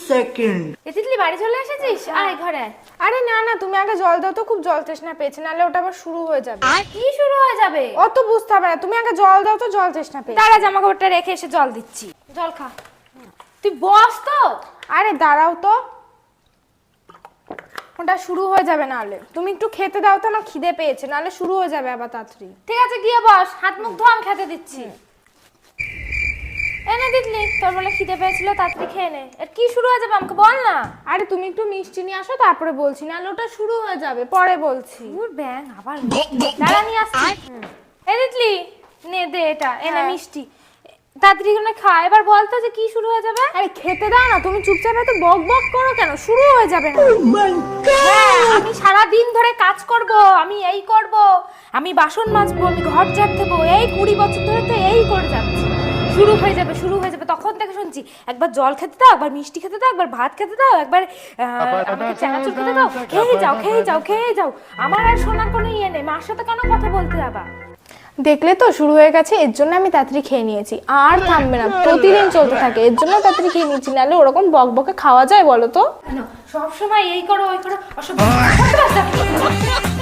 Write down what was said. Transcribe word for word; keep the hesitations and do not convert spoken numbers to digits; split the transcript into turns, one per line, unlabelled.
Second.
এ তিতলি বাড়ি চলে এসেছিস? আয় ঘরে।
আরে না না, তুমি আগে জল দাও তো, খুব জল তৃষ্ণা পেয়েছে, নাহলে ওটা আবার শুরু হয়ে যাবে।
আর কি শুরু হয়ে যাবে?
অত বুঝতে হবে না, তুমি আগে জল দাও তো, জল তৃষ্ণা পেয়েছে।
দাঁড়া, জামা কাপড়টা রেখে এসে জল দিচ্ছি। জল খা। তুই বস তো।
আরে দাঁড়াও তো, ওটা শুরু হয়ে যাবে নাহলে। তুমি একটু খেতে দাও তো, আমার খিদে পেয়েছে, নাহলে শুরু হয়ে যাবে আবার তাড়াতাড়ি।
ঠিক আছে গিয়ে বস, হাত মুখ ধো, আমি খেতে দিচ্ছি। এনে দিতলি, তোর বলে খিদে পেয়েছিল, তাড়াতাড়ি খেয়ে নে। এর কি শুরু হয়ে যাবে আমাকে বল না।
আরে তুমি একটু মিষ্টি নিয়ে আসো, তারপরে বলছি, নাহলে ওটা শুরু হয়ে যাবে, পরে বলছি।
দূর ব্যাং, আবার দাঁড়া নিয়ে আসছি। এ দিতলি, নে দে এটা, এনে মিষ্টি তাড়াতাড়ি করে খা। এবার বলতো যে কি শুরু হয়ে যাবে।
আরে খেতে দাও না, তুমি চুপচাপ এত বক বক করো কেন? শুরু হয়ে যাবে না।
হ্যাঁ, আমি সারা দিন ধরে কাজ করব, আমি এই করব, আমি বাসন মাজবো, আমি ঘর ঝাড় দেবো, এই কুড়ি বছর ধরে তো এই করে যাচ্ছি। শুরু হয়ে যাবে, শুরু হয়ে যাবে। তখন থেকে শুনছি একবার জল খেতে দাও, একবার মিষ্টি খেতে দাও, একবার ভাত খেতে দাও, একবার আমাকে চানাচুর খেতে দাও, খেয়ে যাও খেয়ে যাও খেয়ে যাও। আমার আর শোনার কোনো ইয়ে নেই, মার সাথে কেন কথা বলতে যাবা?
দেখলে তো শুরু হয়ে গেছে, এর জন্য আমি তাড়াতাড়ি খেয়ে নিয়েছি। আর থামবে না, প্রতিদিন চলতে থাকে, এর জন্য তাড়াতাড়ি খেয়ে নিয়েছি, নাহলে ওরকম বক বকে খাওয়া যায় বলো তো?
সব সময় এই করো ওই করো, অসভ্য।